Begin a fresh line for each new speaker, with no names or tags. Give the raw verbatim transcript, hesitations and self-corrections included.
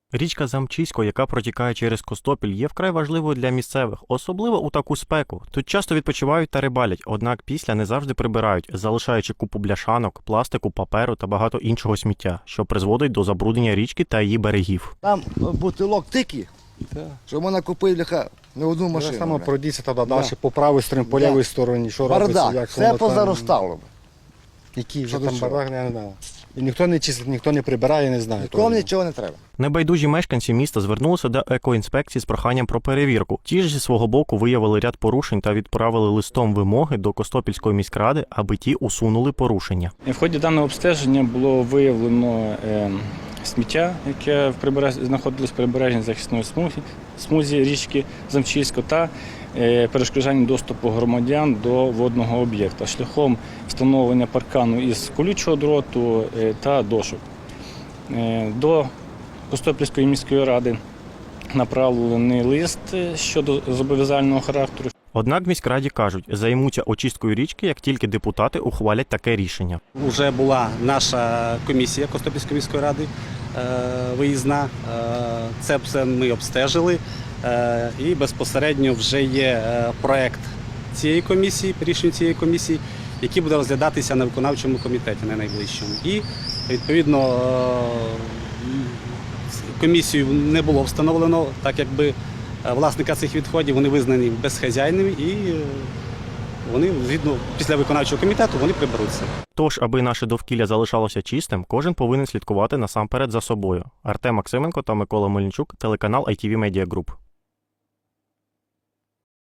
Річка Замчисько, яка протікає через Костопіль, є вкрай важливою для місцевих, особливо у таку спеку. Тут часто відпочивають та рибалять, однак після не завжди прибирають, залишаючи купу бляшанок, пластику, паперу та багато іншого сміття, що призводить до забруднення річки та її берегів.
Там бутилок тільки,
Так.
що можна купити бляха, не одну машину.
Так само
бля.
пройдіться тоді
Да.
далі по правій стороні, по
Да.
лівій стороні, що робиться,
Бардак,
як
все
воно там,
позаростало.
який вже
Що до
там
чого?
бардак, я не знаю. І ніхто не чистить, ніхто не прибирає, не знає.
Нікому
того.
нічого не треба.
Небайдужі мешканці міста звернулися до екоінспекції з проханням про перевірку. Ті ж зі свого боку виявили ряд порушень та відправили листом вимоги до Костопільської міськради, аби ті усунули порушення.
В ході даного обстеження було виявлено е, сміття, яке в прибереж... знаходилось в прибережній захисної смузі, смузі річки Замчисько, та е, перешкоджання доступу громадян до водного об'єкта шляхом встановлення паркану із колючого дроту е, та дошок. Е, до Костопільської міської ради направлений лист щодо зобов'язального характеру.
Однак в міськраді кажуть, займуться очисткою річки, як тільки депутати ухвалять таке рішення.
Уже була наша комісія Костопільської міської ради е, виїзна. Е, Це все ми обстежили. Е, І безпосередньо вже є е, проект цієї комісії, рішення цієї комісії, який буде розглядатися на виконавчому комітеті на найближчому. І відповідно е, комісію не було встановлено, так якби власника цих відходів вони визнані безхазяйними і е, вони, згідно, після виконавчого комітету, вони приберуться.
Тож, аби наше довкілля залишалося чистим, кожен повинен слідкувати насамперед за собою. Артем Максименко та Микола Мельничук, телеканал ай ті ві Media Group.